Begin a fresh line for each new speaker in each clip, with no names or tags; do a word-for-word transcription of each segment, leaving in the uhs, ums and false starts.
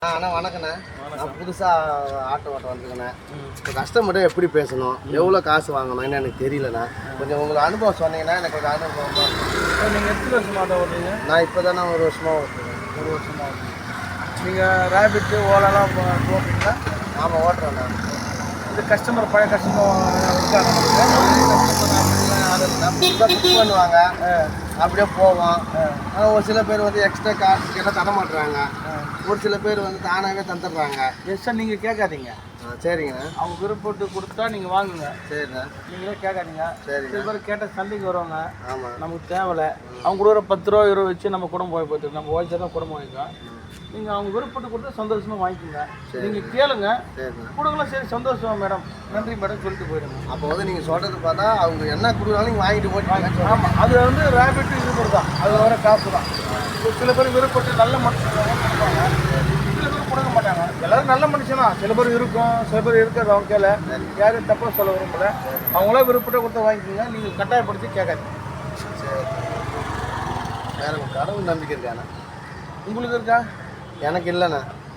அண்ணா வணக்கண்ணே. நான் புதுசாக ஆட்டோ ஓட்ட வந்துருக்கேண்ணே. இப்போ கஸ்டமர்கிட்ட எப்படி பேசணும், எவ்வளோ காசு வாங்கணும் என்ன எனக்கு தெரியலண்ணா. கொஞ்சம் உங்களுக்கு அனுபவம் சொன்னீங்கன்னா எனக்கு கொஞ்சம் அனுபவம் தான்.
நீங்கள் எத்தனை வருஷமாக ஆட்டோ ஓட்டுறீங்க?
நான் இப்போ தானே ஒரு வருஷமாக ஓட்டுறேன்.
ஒரு வருஷமாக ஓட்டுறேன். நீங்கள் ரேபிட்டு ஓலாலாம் ஓட்டுறீங்களா?
ஆமாம் ஓட்டுறேண்ணா.
இது கஸ்டமர் பழைய கஸ்டமர் இருக்காங்க.
புக் பண்ணுவாங்க, அப்படியே போவோம். ஆனால் ஒரு சில பேர் வந்து எக்ஸ்ட்ரா காசு கேட்டால் தர மாட்டுறாங்க. ஒரு சில பேர் வந்து தானாகவே தந்துடுறாங்க.
எஸ்ஸா நீங்கள் கேட்காதீங்க.
ஆ சரிங்கண்ணா.
அவங்க விருப்பப்பட்டு கொடுத்தா நீங்கள் வாங்குங்க.
சரிண்ணா.
நீங்களே கேட்காதீங்க.
சரி.
சில பேர் கேட்டால் சந்தைக்கு வருவாங்க.
ஆமாம்.
நமக்கு தேவையில்லை. அவங்க கொடுக்குற பத்து ரூபா இருபது வச்சு நம்ம குடும்பம் போய் போய்ட்டு நம்ம ஓய்ச்சா தான் குடும்பம் வாங்கிக்கலாம். நீங்கள் அவங்க விருப்பப்பட்டு கொடுத்தா சந்தோஷமாக வாங்கிக்கோங்க. நீங்கள் கேளுங்க, கொடுக்கலாம். சரி சந்தோஷமா மேடம், நன்றி மேடம் சொல்லிட்டு போயிடுங்க.
அப்போ வந்து நீங்கள் சொல்கிறது பார்த்தா அவங்க என்ன கொடுக்குறாலும் நீங்கள் வாங்கிட்டு போயிட்டு.
ஆமாம், அது வந்து ரேபிட்டு இது கூட தான், அதில் வர காசு தான். சில பேர் விருப்பப்பட்டு நல்ல மனுஷன் கொடுப்பாங்க, சில பேர் கொடுக்க மாட்டாங்க. எல்லோரும் நல்ல மனுஷனா, சில பேர் இருக்கும், சில பேர் இருக்காது. அவங்க கேள யாரும் தப்பாக சொல்ல விரும்பல. அவங்களா விருப்பப்பட்டு கொடுத்தா வாங்கிக்கோங்க. நீங்கள் கட்டாயப்படுத்தி கேட்காதீங்க.
சரி. வேறு கடவுள் நம்பிக்கை இருக்காண்ணா?
உங்களுக்கு இருக்கா?
எனக்கு இல்லைண்ணா.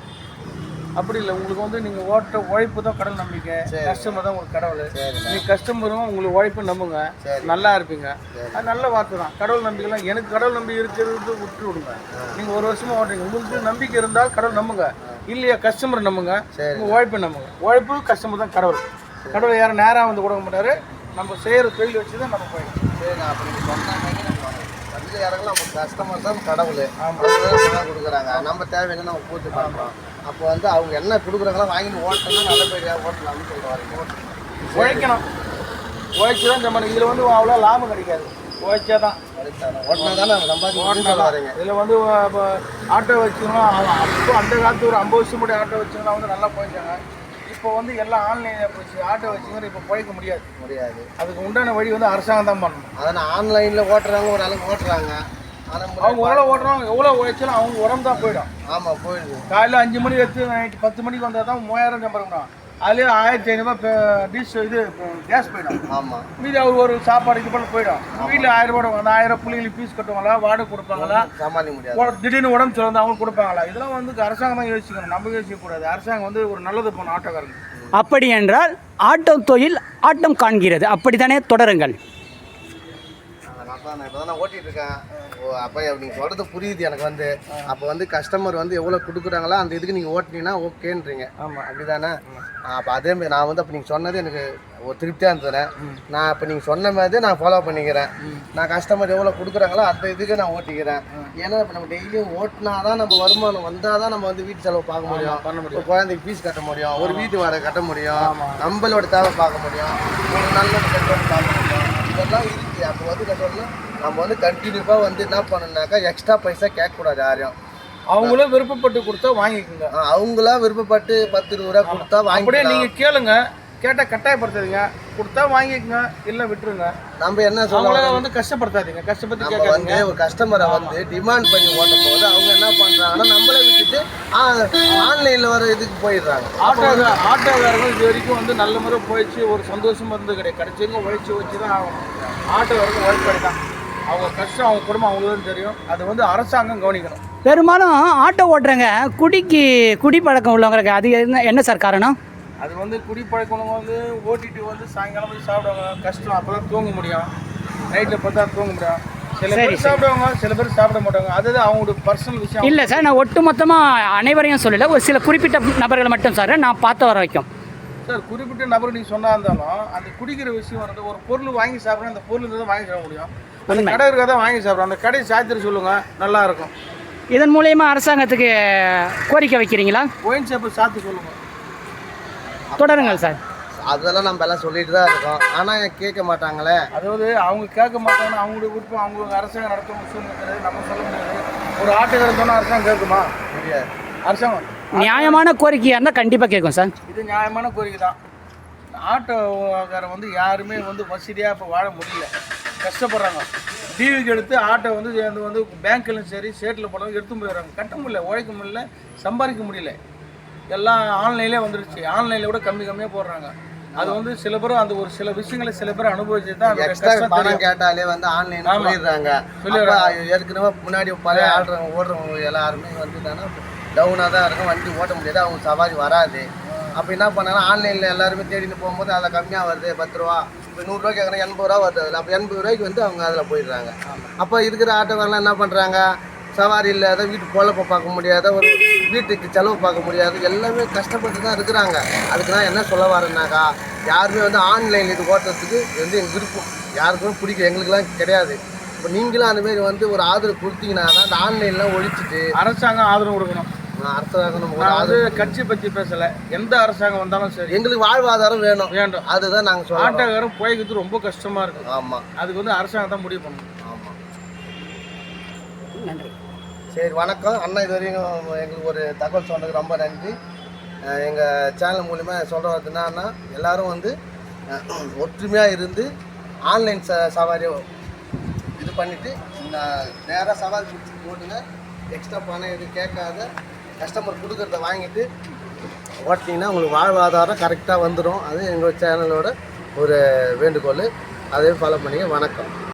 அப்படி இல்லை, உங்களுக்கு வந்து நீங்கள் ஓட்ட உழைப்பு தான் கடவுள் நம்பிக்கை, கஸ்டமர் தான் உங்களுக்கு கடவுள். நீங்கள் கஸ்டமரும் உங்களுக்கு உழைப்பு நம்புங்க, நல்லா இருப்பீங்க. அது நல்ல வார்த்தை தான். கடவுள் நம்பிக்கைலாம் எனக்கு கடவுள் நம்பிக்கை இருக்கிறது விட்டு விடுங்க. நீங்கள் ஒரு வருஷமாக ஓட்டுறீங்க, உங்களுக்கு நம்பிக்கை இருந்தால் கடவுள் நம்புங்க, இல்லையா கஸ்டமர் நம்புங்க, உங்கள் உழைப்பு நம்புங்க. உழைப்பு கஸ்டமர் தான் கடவுள். கடவுள் யாரும் நேராக வந்து கொடுக்க மாட்டார். நம்ம செய்கிற தொழில் வச்சு தான் நம்ம போயிடும்.
சரி, நான் அப்படி சொன்னாங்க. வந்து இறங்கலாம், நம்ம கஸ்டமர் தான் கடவுள். அவங்க கொடுக்குறாங்க, நம்ம தேவையான நம்ம பூர்த்தி பண்ணுறோம். அப்போ வந்து அவங்க என்ன கொடுக்குறாங்களோ வாங்கிட்டு ஓட்டணும்னா நல்லபடியாக ஓட்டலாம்னு சொல்லுவாங்க.
உழைக்கணும், உழைச்சி தான் நம்ம. இதில் வந்து அவ்வளோ லாபம் கிடைக்காது, உழைச்சா தான்.
ஓட்டினா தானே நம்ம சம்பாதிக்க வரீங்க.
இதில் வந்து ஆட்டோ வச்சுக்கணும். அப்போ அந்த காலத்து ஒரு ஐம்பது வருஷம் முன்னாடி ஆட்டோ வச்சுக்கலாம் வந்து நல்லா போயிட்டாங்க. இப்போ வந்து எல்லாம் ஆன்லைனில் போச்சு. ஆட்டோ வச்சுக்கிற இப்போ போய்க்க முடியாது
முடியாது
அதுக்கு உண்டான வழி வந்து அரசாங்கம் தான் பண்ணணும்.
அதான் ஆன்லைனில் ஓட்டுறாங்க, ஒரு அளவுக்கு ஓட்டுறாங்க.
அவங்க ஓரளவு ஓட்டுறவங்க எவ்வளோ உழைச்சாலும் அவங்க உடம்பு தான் போயிடும்.
ஆமாம், போயிடுது.
காலையில் அஞ்சு மணி எடுத்து நைட்டு பத்து மணிக்கு வந்தால் தான் மூவாயிரம் சம்பளம். அதுலேயே ஆயிரத்தி ஐநூறுபா டிஷ் இது கேஸ் போயிடும்.
ஆமாம். மீதி
அவர் ஒரு சாப்பாடு இது பண்ண போயிடும். வீட்டில் ஆயிரம் ரூபா அந்த ஆயிரம் பிள்ளைங்களுக்கு ஃபீஸ் கட்டுவாங்களா, வாடகை கொடுப்பாங்களா,
சமாளிக்க முடியாது.
திடீர்னு உடம்பு சொல்ல அவங்க கொடுப்பாங்களா? இதெல்லாம் வந்து அரசாங்கம் தான் யோசிக்கணும், நம்ம யோசிக்கக்கூடாது. அரசாங்கம் வந்து ஒரு நல்லது பண்ணணும் ஆட்டோக்காரங்க.
அப்படி என்றால் ஆட்டோ தொழில் ஆட்டம் காண்கிறது, அப்படித்தானே? தொடருங்கள்.
நான் இப்போ தான் ஓட்டிகிட்டு இருக்கேன். அப்போ நீங்கள் சொல்கிறது புரியுது எனக்கு. வந்து அப்போ வந்து கஸ்டமர் வந்து எவ்வளோ கொடுக்குறாங்களோ அந்த இதுக்கு நீங்கள் ஓட்டினீங்கன்னா ஓகேன்றீங்க. ஆமாம், அப்படி தானே? அப்போ அதேமாதிரி நான் வந்து அப்போ நீங்கள் சொன்னது எனக்கு ஒரு திருப்தியாக இருந்ததுனேன். நான் இப்போ நீங்கள் சொன்ன மாதிரி நான் ஃபாலோ பண்ணிக்கிறேன். நான் கஸ்டமர் எவ்வளோ கொடுக்குறாங்களோ அந்த இதுக்கு நான் ஓட்டிக்கிறேன். ஏன்னா இப்போ நம்ம டெய்லியும் ஓட்டினா தான் நம்ம வருமானம் வந்தால் தான் நம்ம வந்து வீட்டு செலவு பார்க்க முடியும், பண்ண முடியும், ஒரு குழந்தைக்கு ஃபீஸ் கட்ட முடியும், ஒரு வீட்டு வாடகை கட்ட முடியும், நம்மளோட தேவை பார்க்க முடியும், ஒரு நல்ல கட்டணம் பார்க்க முடியும். இதெல்லாம் இருக்குது. அப்போ வந்து கட்டணும் நம்ம வந்து கண்டினியூவாக வந்து என்ன பண்ணணுன்னாக்கா எக்ஸ்ட்ரா பைசா கேட்கக்கூடாது யாரையும்.
அவங்களும் விருப்பப்பட்டு கொடுத்தா வாங்கிக்கோங்க.
அவங்களா விருப்பப்பட்டு பத்து இருபது ரூபா கொடுத்தா வாங்கி
நீங்கள் கேளுங்க. கேட்டால் கட்டாயப்படுத்தாதீங்க, கொடுத்தா வாங்கிக்கோங்க, இல்லை விட்டுருங்க.
நம்ம என்ன சொல்லுவாங்க வந்து
கஷ்டப்படுத்தாதீங்க. கஷ்டப்பட்டு
நம்ம வந்து ஒரு கஸ்டமரை வந்து டிமாண்ட் பண்ணி ஓட்டும் போது அவங்க என்ன பண்ணுறாங்கன்னா நம்மளை விட்டுட்டு ஆன்லைனில் வர இதுக்கு போயிடுறாங்க.
ஆட்டோ ஆட்டோக்காரர்கள் இது வரைக்கும் வந்து நல்ல முறை போயிடுச்சு, ஒரு சந்தோஷமாக இருந்து கிடையாது. கிடைச்சவங்க உழைச்சி வச்சு தான் ஆகணும். ஆட்டோக்காரர்கள் உழைப்படி தான். அவங்க கஷ்டம் அவங்க குடும்பம் அவங்களுக்கு தான் தெரியும். அது வந்து அரசாங்கம் கவனிக்கணும்.
பெரும்பாலும் ஆட்டோ ஓட்டுறவங்க குடிக்கு குடி பழக்கம் உள்ளவங்களுக்கு அது என்ன என்ன சார் காரணம்?
அது வந்து குடி பழக்கம் வந்து ஓட்டிட்டு வந்து சாயங்காலம் போய் சாப்பிடுவாங்க. கஷ்டம், அப்போ தான் தூங்க முடியும். நைட்டில் பார்த்தா தூங்க முடியும். சில பேர் சாப்பிடுவாங்க, சில பேர் சாப்பிட மாட்டாங்க. அது அவங்களோட பர்சனல் விஷயம்.
இல்லை சார், நான் ஒட்டு மொத்தமாக அனைவரையும் சொல்லலை, ஒரு சில குறிப்பிட்ட நபர்களை மட்டும் சார் நான் பார்த்த வர வைக்கும்.
சார், குறிப்பிட்ட நபர் நீங்கள் சொன்னா இருந்தாலும் அந்த குடிக்கிற விஷயம் வந்து ஒரு பொருள் வாங்கி சாப்பிட்றோம், அந்த பொருள் தான் வாங்கி சாப்பிட முடியும். அந்த கடை இருக்க தான் வாங்கி சாப்பிட்றோம். அந்த கடையை சாத்திர சொல்லுங்கள், நல்லா இருக்கும்.
இதன் மூலயமா அரசாங்கத்துக்கு கோரிக்கை வைக்கிறீங்களா?
ஒயின் ஷாப்பு சாத்து சொல்லுங்கள்.
தொடருங்கள் சார்.
அதெல்லாம் நம்ம எல்லாம் சொல்லிட்டு தான் இருக்கோம், ஆனால் கேட்க மாட்டாங்களே.
அதாவது அவங்க கேட்க மாட்டாங்கன்னா அவங்களுடைய விருப்பம். அவங்க அரசாங்கம் நடத்தும் சூழ்நிலை நம்ம சொல்ல முடியாது. ஒரு ஆட்டுக்காரன் சொன்னால் அரசாங்கம் கேட்குமா? முடியாது. அரசாங்கம்
நியாயமான கோரிக்கையாக இருந்தால் கண்டிப்பாக கேட்கும் சார்.
இது நியாயமான கோரிக்கை தான். ஆட்டோக்காரன் வந்து யாருமே வந்து வசதியாக இப்போ வாழ முடியல, கஷ்டப்படுறாங்க. டிவிக்கு எடுத்து ஆட்டோ வந்து வந்து பேங்க்லையும் சரி ஸ்டேட்டில் போனவங்க எடுத்து போயிடுறாங்க. கட்ட முடியல, உழைக்க முடியல, சம்பாதிக்க முடியல. எல்லாம் ஆன்லைன்லேயே வந்துடுச்சு. ஆன்லைனில் கூட கம்மி கம்மியாக போடுறாங்க. அது வந்து சில பேரும் அந்த ஒரு சில விஷயங்களை சில பேர் அனுபவிச்சு தான்
பணம் கேட்டாலே வந்து ஆன்லைன் சொல்லிடுறாங்க. ஏற்கனவே முன்னாடி பழைய ஆடுறவங்க ஓடுறவங்க எல்லாருமே வந்து டவுனாக தான் இருக்கும், வண்டி ஓட்ட முடியாது, அவங்க சவாரி வராது. அப்போ என்ன பண்ணாங்கன்னா ஆன்லைனில் எல்லாருமே தேடிட்டு போகும்போது அதில் கம்மியாக வருது, பத்து ரூபா இப்போ நூறுரூவா கேட்குறேன், எண்பது ரூபா வருது அதில். அப்போ எண்பது ரூபாய்க்கு வந்து அவங்க அதில் போயிடுறாங்க. அப்போ இருக்கிற ஆட்டோக்காரெலாம் என்ன பண்ணுறாங்க, சவாரி இல்லாத, வீட்டு பொழப்பை பார்க்க முடியாத, ஒரு வீட்டுக்கு செலவு பார்க்க முடியாது, எல்லாமே கஷ்டப்பட்டு தான் இருக்கிறாங்க. அதுக்கு நான் என்ன சொல்ல வரேன்னாக்கா, யாருமே வந்து ஆன்லைன் இது ஓட்டுறதுக்கு வந்து எங்கள் விருப்பம் யாருக்குமே பிடிக்கும், எங்களுக்குலாம் கிடையாது. இப்போ நீங்களும் அந்தமாரி வந்து ஒரு ஆதரவு கொடுத்தீங்கன்னா தான் அந்த ஆன்லைன்லாம் ஒழிச்சிட்டு
அரசாங்கம் ஆதரவு கொடுக்கணும்.
அரசாங்கம்
நான் வந்து கட்சி பற்றி பேசலை, எந்த அரசாங்கம் வந்தாலும் சரி
எங்களுக்கு வாழ்வாதாரம் வேணும்
வேண்டும்.
அதுதான் நாங்கள் சொல்லுவோம்.
ஆட்டோக்காரன் போய்க்கிறது ரொம்ப கஷ்டமாக இருக்குது.
ஆமாம்,
அதுக்கு வந்து அரசாங்கம் தான் முடிவு பண்ணணும்.
ஆமாம்.
நன்றி.
சரி, வணக்கம் அண்ணா. இது வரைக்கும் எங்களுக்கு ஒரு தகவல் சொன்னதுக்கு ரொம்ப நன்றி. எங்கள் சேனல் மூலிமா சொல்கிறது என்னன்னா, எல்லோரும் வந்து ஒற்றுமையாக இருந்து ஆன்லைன் ச சவாரி இது பண்ணிவிட்டு நேராக சவாரி பிடிச்சி போட்டுங்க. எக்ஸ்ட்ரா பணம் எதுவும் கேட்காத கஸ்டமர் கொடுக்குறத வாங்கிட்டு ஓட்டிங்கன்னா உங்களுக்கு வாழ்வாதாரம் கரெக்டாக வந்துடும். அது எங்கள் சேனலோட ஒரு வேண்டுகோள். அதையும் ஃபாலோ பண்ணிங்க. வணக்கம்.